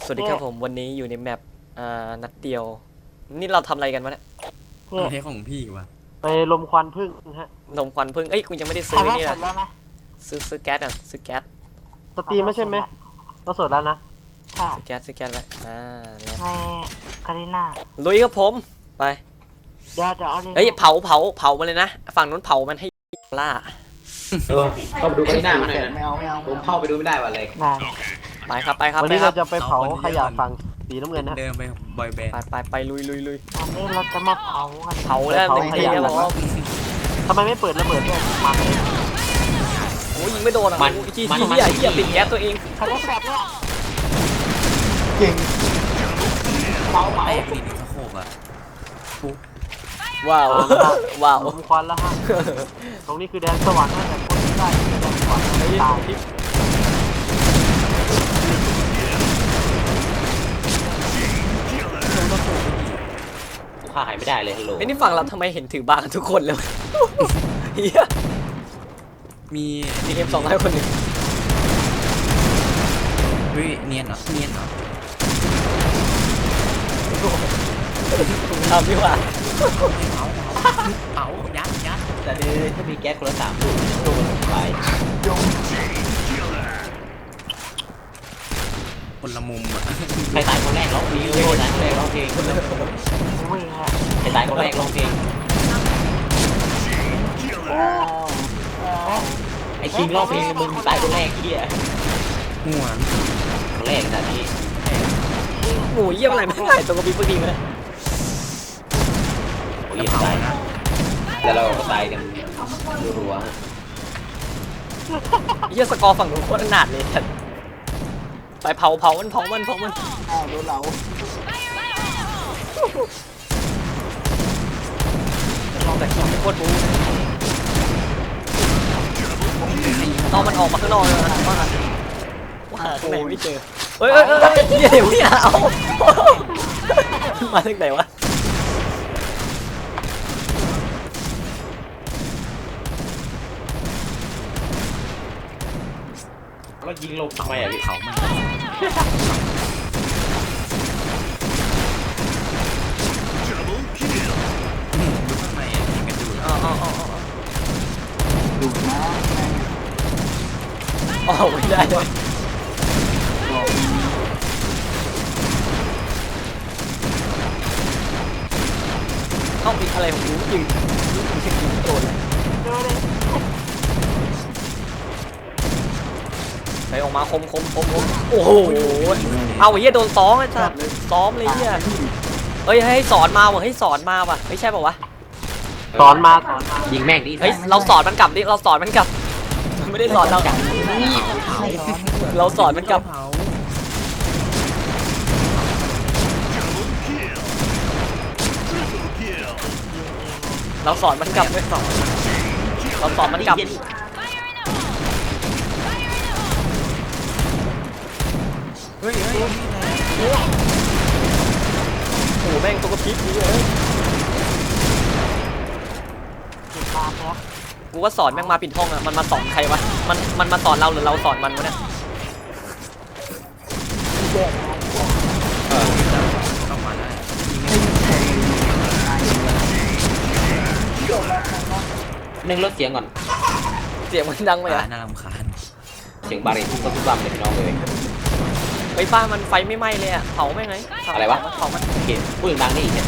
สวัสดีครับผมวันนี้อยู่ในแมปนัดเดียวนี่เราทำอะไรกันวะเนี่ยประเทศของพี่วะไปลมควันพึ่งฮะนมควันพึ่งเอ้ยคุณยังไม่ได้ซื้อนี่นะซื้อแก๊สอ่ะซื้อแก๊สสตรีมไม่ใช่ไหมเราสดแล้วนะค่ะซื้อแก๊สไว้แล้วในคาริน่าลุยครับผมไปเดี๋ยวเอาเลยเฮ้ยเผามาเลยนะฝั่งนู้นเผามันให้ล่าเข้าไปดูไปหน้ามาหน่อยนะไม่เอาผมเข้าไปดูไม่ได้ว่ะเลยได้ไปครับวันไปนี้ครัเราบจะไปเผาขยะฝั่งสีน้ำเงินนะเดินไปบอยแบนด์ไปลุยวันนี้เราจะมาเผากันเผาแล้วเต็มที่ครับผมทำไมไม่เปิดระเบิดด้วยมันโอ้ยิงไม่โดนอ่ะเหี้ยปิดแก๊สตัวเองเขาได้แบบเนี้ยแตกนี่สะโขบอ่ะว้าวลมควันแล้วฮะตรงนี้คือแดนสวรรค์นะแต่คนที่ได้คือแดนสวรรค์ตายฆ่าหายไม่ได้เลยฮัลโหลไอ้นี่ฝั่งเราทำไมเห็นถือบากันทุกคนเลยวะเฮียมีมีเอ็ม200คนหนึ่งเฮ้ยเนียนเหรอทำดีกว่าเผายัดแต่เดี๋ยวถ้ามีแก๊สคนละ3 ลูกลูกมันไปคนละมุมอ่ะใครตายคนแรกร้องเพลงใครตายคนแรกร้องเพลงวิ่งฮะใครตายคนแรกร้องเพลงไอ้คิงร้องเพลงมึงตายคนแรกเหี้ยหัวคนแรกขนาดนี้หมูเยี่ยมอะไรไม่ได้ตัวกระปิบกระปิบเลยโอ้ยตายแล้วเราก็ตายกันรัวเยี่ยสกอร์ฝั่งนู้นโคตรหนาดเลยไปเผามันโดนเราแต่คิงไม่โคตรบู๊ต้องมันออกมาข้างนอกเลยนะว่าข้างในไม่เจอเฮ้ยเดี๋ยวเนี่ยเอามาจากไหนวะแล้วยิงลงทำไมอ่ะพี่เผามันดูข้างในอ่ะยิงกันอยู่ดูนะอ๋อไม่ได้เลยต้องมีอะไรของกูยืนโดนเลยเจอเลยไปออกมาคมโอ้โหเอาเฮียโดนซ้อมไอ้สัสซ้อมเลยเฮียเฮ้ยให้สอนมาว่ะไม่ใช่ป่าวะสอนมายิงแม่งดิเฮ้ยเราสอนมันกลับดิเราสอนมันกลับมันไม่ได้สอนเราเราสอนมันกลับเผาเราสอนมันกลับไม่สอนเราสอนมันกลับเฮ้ยโอ้โหแม่งตัวกระพริบนี้เลยเก็บบาแล้วกูว่าสอนแม่งมาปิดห้องอะมันมาสอนใครวะมันมาสอนเราหรือเราสอนมันวะเนี่ยเข้ามาได้นึ่งลดเสียงก่อนเสียงมันดังไปอะน่ารำคาญเสียงบารีทุกทุกๆเลยพี่น้องเลยไฟฟ้ามันไฟไม่ไหม้เลยอะเผาแม่งไงอะไรวะเผามันโอเคพูดดังนี่อีกเนี่ย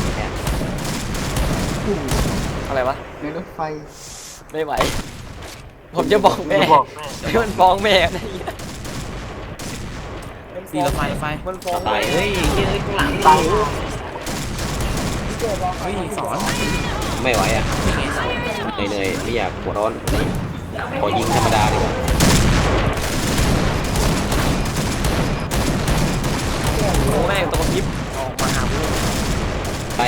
อะไรวะในรถไฟไม่ไหวผมจะบอกแม่บอกแม่ให้มันฟ้องแม่นะเหี้ยตีละไฟมันฟ้องตายเฮ้ยข้างหลังตายเฮ้ยสอนไม่ไหวอ่ะไม่ไงสอนเหนื่อยไม่อยากหัวร้อนขอยิงธรรมดาดีกว่าโอ้แม่งตัวกระพริบออกมาหาพวกไป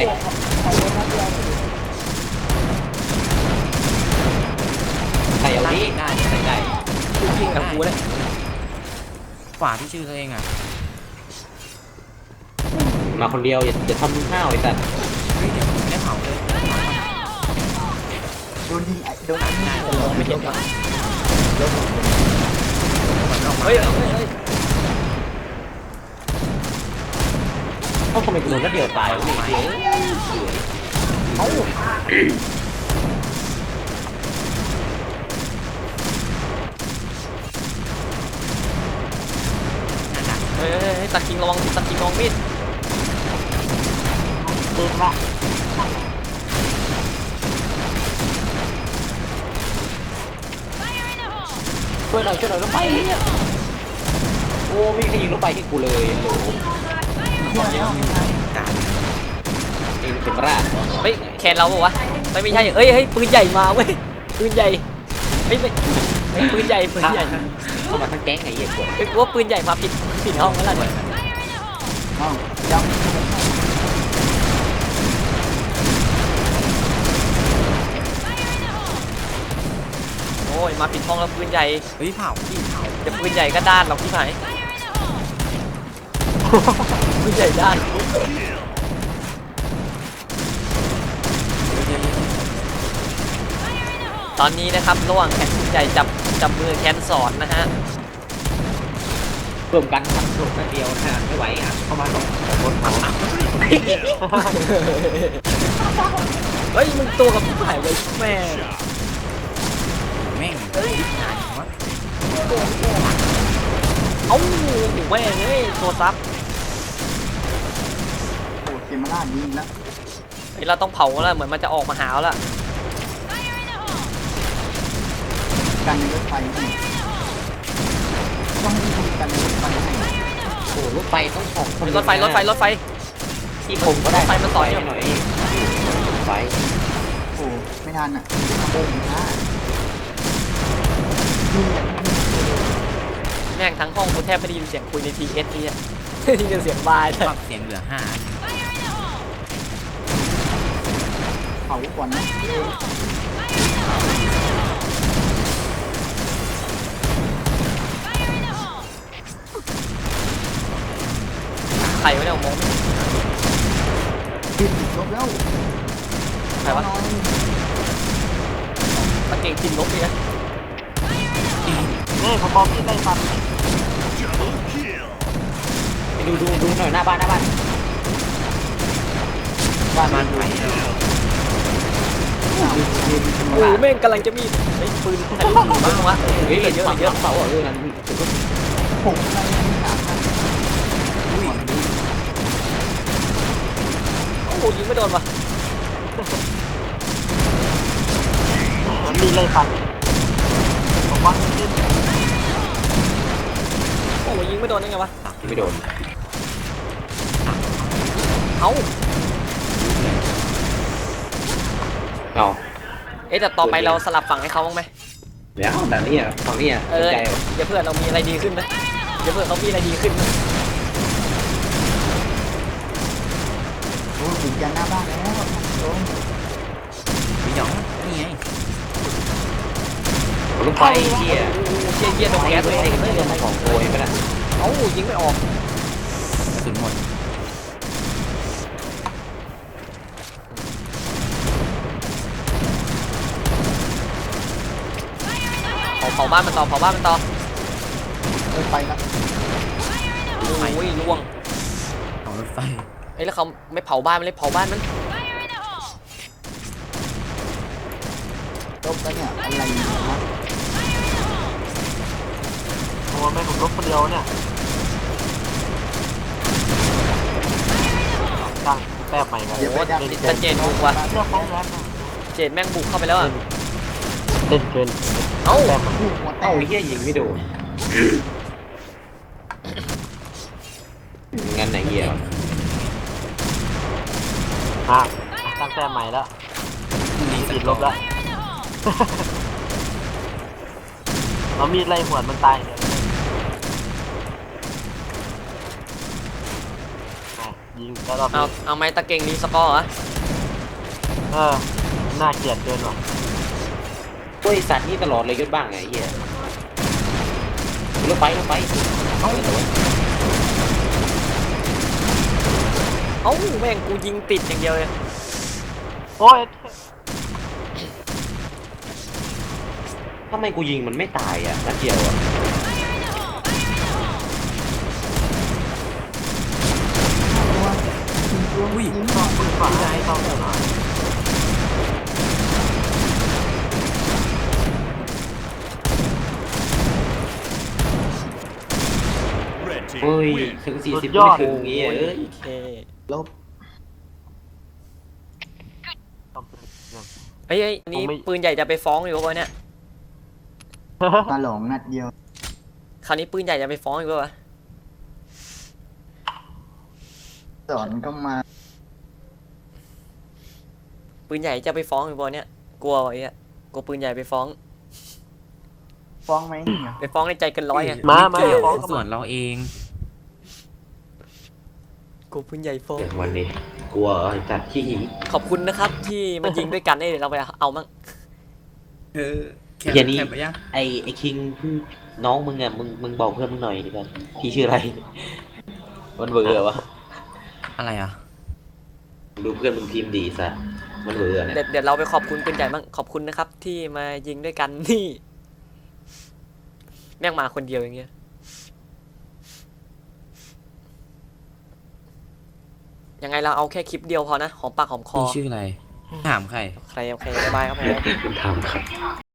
ใส่เอาดิได้ใส่ได้ยิงกับกูเลยขวาที่ชื่อตัวเองอ่ะมาคนเดียวอย่าทำห้าวไอ้สัตว์เฮ้ยเดี๋ยวผมไม่ได้เผาเลยโดนยิงโดนยิงไม่เห็นวะเฮ้ยเอ้าทำไมกูโดนนัดเดียวตายวะเนี่ยเอ้าเฮ้ยตะคิงระวังตะคิงระวังมีดเดินละช่วยหน่อยรถไฟเนี่ยโอ้ไม่มีใครยิงรถไฟให้กูเลยโหเองเป็นราดเฮ้ยแคนเราปะวะไม่ใช่เอ้ยปืนใหญ่มาเว้ยปืนใหญ่ไม่ปืนใหญ่เข้ามาทั้งแก๊งไอ้เหี้ยกดเฮ้ยกูว่าปืนใหญ่มาผิดห้องแล้วล่ะเนี่ยเอ้าย้ำโอ้ยมาผิดห้องแล้วปืนใหญ่เฮ้ยเผาพี่เผาจะปืนใหญ่ก็ด้านหรอกพี่ไหมปืนใหญ่ด้านตอนนี้นะครับระหว่างแขนปืนใหญ่จับมือแคนสอนนะฮะรวมกันทำส่วนเดียวนะฮะไม่ไหวครับเข้ามา2 คนเผาเฮ้ยมึงตัวกับพี่ไหมเลยแม่แม่งเฮ้ยงานวะเอ้าแม่งเฮ้ยตัวซับโอ้เกมมาล่ายิงแล้วเฮ้ยเราต้องเผาแล้วเหมือนมันจะออกมาหาแล้วกันในรถไฟให้ต้องให้คนกันในรถไฟให้โอ้รถไฟต้อง2 คนรถไฟที่ผมก็ได้รถไฟมันต่อยหน่อยไฟโอ้ไม่ทันอ่ะโอ้ยนะยิงแบบแม่งทั้งห้องกูแทบไม่ได้ยินเสียงคุยใน TS นี่อะ ได้ยินเสียงบายปรับเสียงเหลือ5 เผาก่อนนะใครวะเนี่ยมองไม่เห็นปิดลบแล้วใครวะตะเก่งกินลบเลยนะนี่ผมบอกพี่ได้ฟันดูหน่อยหน้าบ้านบ้านมันไปแล้วโอ้แม่งกำลังจะมีไอ้ปืนใครรู้อยู่บ้างวะเฮ้ยเยอะฝั่งเยอะเสานั่นผมอะไรไม่ถามนะโอ้โหยิงไม่โดนวะมันมีเลยฟันผมว่าขึ้นโอ้โหยิงไม่โดนได้ไงวะไม่โดนเอ้าเอาเอ๊ะแต่ต่อไปเราสลับฝั่งให้เขาบ้างไหมแล้วแต่นี่ฝั่งนี้เออเดี๋ยวเพื่อนเรามีอะไรดีขึ้นนะเดี๋ยวเพื่อนเขามีอะไรดีขึ้นนะโอ้ถึงยันหน้าบ้านแล้วโอ้พี่หยองนี่ไงรถไฟเหี้ยเยี่ยโดนแก๊สเลยไม่โดนของโวยไปละเอ้ายิงไม่ออกกระสุนหมดเผาบ้านมันต่อเดินไปแล้วโอ้ยล่วงเอารถไฟเอ้ยแล้วเขาไม่เผาบ้านมันเลยเผาบ้านมันลบแล้วเนี่ยอะไรเนี่ยนะโอ้แม่ผมลบคนเดียวเนี่ยตั้งแต้มใหม่กันเดี๋ยวไปดับติดตะเจนบุกว่ะเรื่องของแรงนะเจนแม่งบุกเข้าไปแล้วอ่ะเล่นเกินเอ้าแต้มลูกหัวแตเอ้าก Ờ, เหี้ยยิงไม่โดนงั้นไหนเหี้ยตั้งแต้มใหม่แล้วมีสัติกดลบแล้ว เรามีดไล่หวดมันตายเนี่ยยิงแล้วรอบนี้เอาไม้ตะเก่งรีสกอร์เหรอน่าเกลียดเกินว่ะบริษัทนี้ตลอดเลยยศบ้างไงเหี้ยรถไฟเอาเลยเอ้าแม่งกูยิงติดอย่างเดียวเลยโอ้ยทำไมกูยิงมันไม่ตายอ่ะนัดเดียวอ่ะอุ้ยต้องปืนฝ่ายให้ต้องหาเฮ้ยถึง40ไม่ถึงงี้เอ้ยโอเคลบต้องปืนนั่นเฮ้ยอันนี้ปืนใหญ่จะไปฟ้องอยู่ปะวะเนี่ยตาหลงนัดเดียวคราวนี้ปืนใหญ่จะไปฟ้องอยู่ปะวะสอนก็มาปืนใหญ่จะไปฟ้องอยู่ปะวะเนี่ยกลัววะไอ้เนี่ยกลัวปืนใหญ่ไปฟ้องฟ้องไหมไปฟ้องในใจเกันร้อยไงมาเกี่ยวฟ้องส่วนเราเองกลัวปืนใหญ่ฟ้องอย่างวันนี้กลัวจัดขี้หีขอบคุณนะครับที่มายิงด้วยกันเอ้ยเราไปเอามั่งแคปอย่างนี้แคปไปยังไอ้คิงน้องมึงอ่ะมึงบอกเพื่อนมึงหน่อยดิกันพี่ชื่ออะไรมันเบื่อวะอะไรอ่ะดูเพื่อนมึงพิมพ์ดีซะมันเบื่อเนี่ยเดี๋ยวเราไปขอบคุณปืนใหญ่มั่งขอบคุณนะครับ ที่มายิงด้วยกันนี่แม่งมาคนเดียวอย่างเงี้ยยังไงเราเอาแค่คลิปเดียวพอนะหอมปากหอมคอพี่ชื่ออะไร ถามใครใครโอเคบ๊ายบายครับผมคุณทำครับ